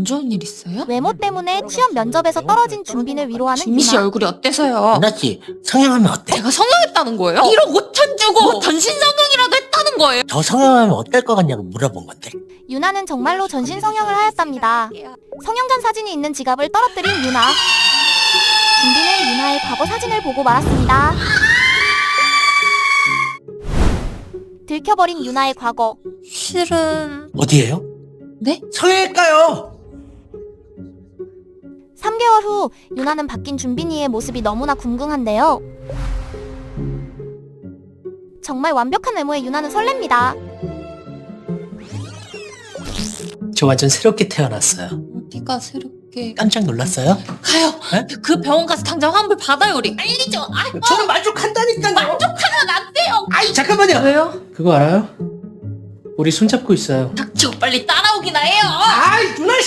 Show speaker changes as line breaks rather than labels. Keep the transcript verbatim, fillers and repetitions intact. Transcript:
안 좋은 일 있어요?
외모 때문에 취업 면접에서 떨어진 준빈을 위로하는
준비 씨
유나.
얼굴이 어때서요?
유나씨 성형하면 어때?
제가 성형했다는 거예요? 일억 오천 주고 뭐 전신 성형이라도 했다는 거예요?
저 성형하면 어떨 것 같냐고 물어본 건데.
유나는 정말로 전신 성형을 하였답니다. 성형전 사진이 있는 지갑을 떨어뜨린 유나. 준빈은 유나의 과거 사진을 보고 말았습니다. 들켜버린 유나의 과거.
실은...
어디에요?
네?
성형일까요?
삼 개월 후 유나는 바뀐 준빈이의 모습이 너무나 궁금한데요. 정말 완벽한 외모의 유나는 설렙니다.
저 완전 새롭게 태어났어요.
어디가 새롭게...
깜짝 놀랐어요?
가요!
네?
그 병원 가서 당장 환불 받아요 우리! 빨리 좀! 아,
저는 만족한다니까요.
만족하면 안 돼요!
아이 잠깐만요.
왜요?
그거 알아요? 우리 손잡고 있어요.
닥쳐 빨리 따라오기나 해요!
아이 누나